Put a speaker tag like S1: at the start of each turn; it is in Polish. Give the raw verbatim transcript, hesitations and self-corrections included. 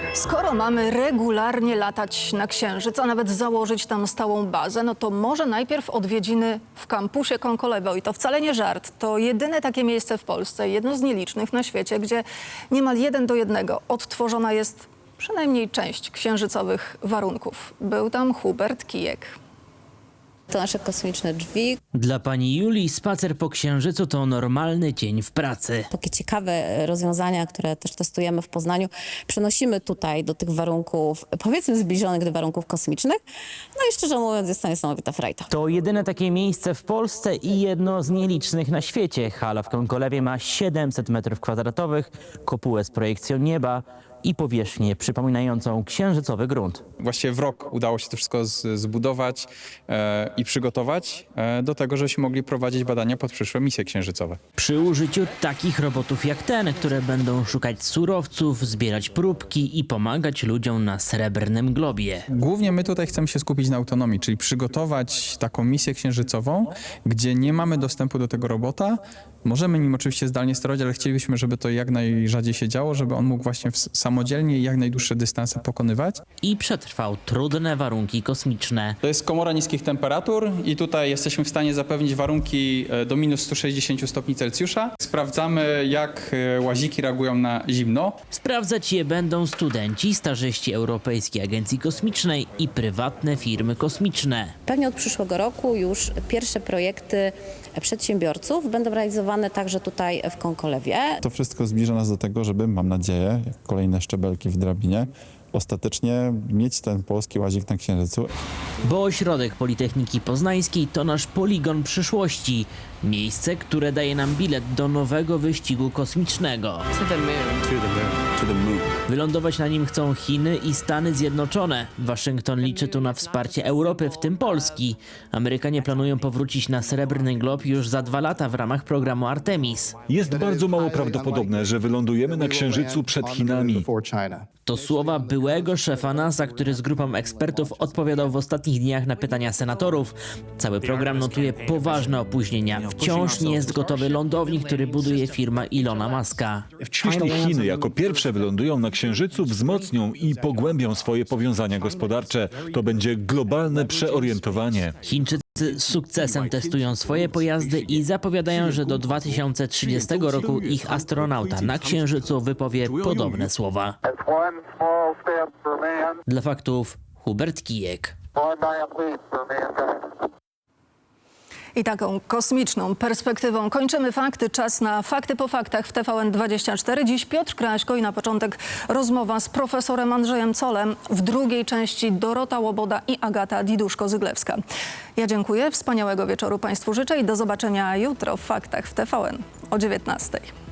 S1: Skoro mamy regularnie latać na Księżyc, a nawet założyć tam stałą bazę, no to może najpierw odwiedziny w kampusie Konkolewo. I to wcale nie żart. To jedyne takie miejsce w Polsce, jedno z nielicznych na świecie, gdzie niemal jeden do jednego odtworzona jest przynajmniej część księżycowych warunków. Był tam Hubert Kijek.
S2: To nasze kosmiczne drzwi.
S3: Dla pani Julii spacer po Księżycu to normalny dzień w pracy.
S2: Takie ciekawe rozwiązania, które też testujemy w Poznaniu, przenosimy tutaj do tych warunków, powiedzmy zbliżonych do warunków kosmicznych. No i szczerze mówiąc, jest to niesamowita frajda.
S3: To jedyne takie miejsce w Polsce i jedno z nielicznych na świecie. Hala w Konkolewie ma siedemset metrów kwadratowych, kopułę z projekcją nieba i powierzchnię przypominającą księżycowy grunt.
S4: Właściwie w rok udało się to wszystko z, zbudować e, i przygotować e, do tego, żebyśmy mogli prowadzić badania pod przyszłe misje księżycowe.
S3: Przy użyciu takich robotów jak ten, które będą szukać surowców, zbierać próbki i pomagać ludziom na Srebrnym Globie.
S4: Głównie my tutaj chcemy się skupić na autonomii, czyli przygotować taką misję księżycową, gdzie nie mamy dostępu do tego robota. Możemy nim oczywiście zdalnie sterować, ale chcielibyśmy, żeby to jak najrzadziej się działo, żeby on mógł właśnie samodzielnie i jak najdłuższe dystanse pokonywać.
S3: I przetrwał trudne warunki kosmiczne.
S4: To jest komora niskich temperatur i tutaj jesteśmy w stanie zapewnić warunki do minus stu sześćdziesięciu stopni Celsjusza. Sprawdzamy, jak łaziki reagują na zimno.
S3: Sprawdzać je będą studenci, stażyści Europejskiej Agencji Kosmicznej i prywatne firmy kosmiczne.
S2: Pewnie od przyszłego roku już pierwsze projekty przedsiębiorców będą realizowane także tutaj w Konkolewie.
S5: To wszystko zbliża nas do tego, żeby, mam nadzieję, jak kolejne szczebelki w drabinie, ostatecznie mieć ten polski łazik na Księżycu.
S3: Bo ośrodek Politechniki Poznańskiej to nasz poligon przyszłości. Miejsce, które daje nam bilet do nowego wyścigu kosmicznego. Wylądować na nim chcą Chiny i Stany Zjednoczone. Waszyngton liczy tu na wsparcie Europy, w tym Polski. Amerykanie planują powrócić na Srebrny Glob już za dwa lata w ramach programu Artemis.
S6: Jest bardzo mało prawdopodobne, że wylądujemy na Księżycu przed Chinami.
S3: To słowa byłego szefa NASA, który z grupą ekspertów odpowiadał w ostatnich dniach na pytania senatorów. Cały program notuje poważne opóźnienia. Wciąż nie jest gotowy lądownik, który buduje firma Ilona Muska.
S6: Jeśli Chiny jako pierwsze wylądują na Księżycu, wzmocnią i pogłębią swoje powiązania gospodarcze. To będzie globalne przeorientowanie.
S3: Chińczycy z sukcesem testują swoje pojazdy i zapowiadają, że do dwa tysiące trzydziestego roku ich astronauta na Księżycu wypowie podobne słowa. Dla faktów Hubert Kijek.
S1: I taką kosmiczną perspektywą kończymy fakty. Czas na fakty po faktach w T V N dwadzieścia cztery. Dziś Piotr Kraśko i na początek rozmowa z profesorem Andrzejem Zollem. W drugiej części Dorota Łoboda i Agata Diduszko-Zyglewska. Ja dziękuję, wspaniałego wieczoru Państwu życzę i do zobaczenia jutro w faktach w T V N o dziewiętnastej.